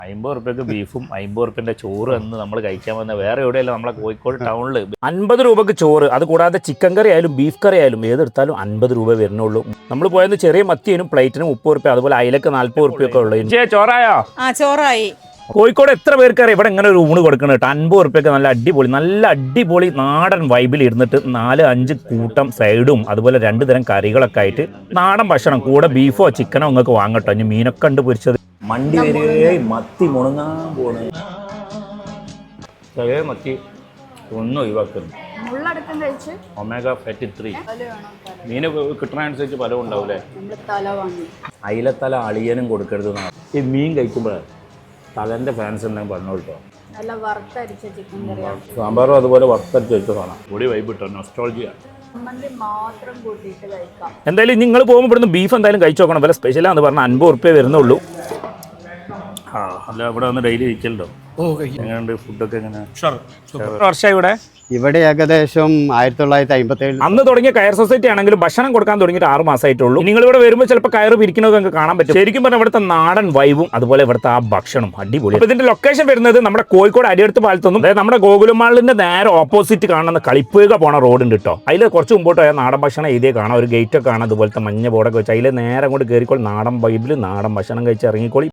50 റുപ്യക്ക് ബീഫും 50 റുപ്യൻ്റെ ചോറ് എന്ന് നമ്മൾ കഴിക്കാൻ വന്ന വേറെ എവിടെയല്ല നമ്മളെ കോഴിക്കോട് ടൗണിൽ 50 രൂപക്ക് ചോറ്. അത് കൂടാതെ ചിക്കൻ കറി ആയാലും ബീഫ് കറി ആയാലും ഏതെടുത്താലും 50 രൂപ വരുന്നുള്ളൂ. നമ്മൾ പോയത് ചെറിയ മത്തിനും പ്ലേറ്റിനും 30 റുപ്യ, അതുപോലെ അയിലക്ക് 40 റുപ്യൊക്കെ ഉള്ളൂ. ചോറായോ? ചോറായി. കോഴിക്കോട് എത്ര പേർക്കറിയാം ഇവിടെ ഇങ്ങനെ ഒരു ഊണ് കൊടുക്കണം കേട്ടോ. 50 റുപ്യക്ക് നല്ല അടിപൊളി നാടൻ വൈബിൽ ഇരുന്നിട്ട് 4-5 കൂട്ടം സൈഡും അതുപോലെ 2 തരം കറികളൊക്കെ ആയിട്ട് നാടൻ ഭക്ഷണം, കൂടെ ബീഫോ ചിക്കനോ നിങ്ങൾക്ക് വാങ്ങട്ടോ. ഇനി മീനൊക്കെ ഉണ്ട് പൊരിച്ചത്. മണ്ടി വരെ മത്തി മുണങ്ങാൻ പോണ ചെറിയ മത്തി ഒന്നും ഒഴിവാക്കുന്നു. ഒമേഗ ഫാറ്റി 3 മീന് കിട്ടണനുസരിച്ച് പലവും ഉണ്ടാവൂലേ. അയിലത്തല അളിയനും കൊടുക്കരുതെന്നാണ്. ഈ മീൻ കഴിക്കുമ്പോഴേ തലന്റെ ഫാൻസ് ഉണ്ടെങ്കിൽ പറഞ്ഞോട്ടോ. സാമ്പാറും അതുപോലെ വറുത്തരച്ച് വെച്ച സാധനം കൂടി വൈബ് കിട്ടോ. നൊസ്റ്റോൾജിയ. എന്തായാലും നിങ്ങൾ പോകുമ്പോൾ ഇവിടുന്ന് ബീഫ് എന്തായാലും കഴിച്ചു നോക്കണം. വില സ്പെഷ്യലാന്ന് പറഞ്ഞാൽ 50 റുപ്യ വരുന്നുള്ളൂ. അല്ല ഇവിടെ വന്ന് ഡെയിലി കഴിക്കലുണ്ടോ? എങ്ങനെയുണ്ട് ഫുഡൊക്കെ? വർഷമായി ഇവിടെ ഏകദേശം 1957 അന്ന് തുടങ്ങിയ കയർ സൊസൈറ്റി ആണെങ്കിലും ഭക്ഷണം കൊടുക്കാൻ തുടങ്ങിയിട്ട് 6 മാസമായിട്ടുള്ളൂ. നിങ്ങൾ ഇവിടെ വരുമ്പോൾ ചിലപ്പോൾ കയറ് പിരിക്കുന്നത് നിങ്ങൾക്ക് കാണാൻ പറ്റും. ശരിക്കും പറഞ്ഞാൽ ഇവിടുത്തെ നാടൻ വൈബും അതുപോലെ ഇവിടുത്തെ ആ ഭക്ഷണം അടിപൊളി. അപ്പോൾ ഇതിന്റെ ലൊക്കേഷൻ വരുന്നത് നമ്മുടെ കോഴിക്കോട് അടിയടുത്ത് പാലത്തൊന്നും, അതായത് നമ്മുടെ ഗോകുലമാളിന്റെ നേരെ ഓപ്പോസിറ്റ് കാണുന്ന കളിപ്പുക പോണ റോഡ് ഉണ്ട് കേട്ടോ. അതിൽ കുറച്ച് മുമ്പോട്ട് പോയാൽ നാടൻ ഭക്ഷണം എഴുതിയേ കാണാം. ഒരു ഗേറ്റ് ഒക്കെ കാണാം, അതുപോലത്തെ മഞ്ഞ ബോർഡൊക്കെ വെച്ചാൽ അതിൽ നേരെ അങ്ങോട്ട് കയറിക്കോളി. നാടൻ വൈബിൽ നാടൻ ഭക്ഷണം കഴിച്ച് ഇറങ്ങിക്കോളി.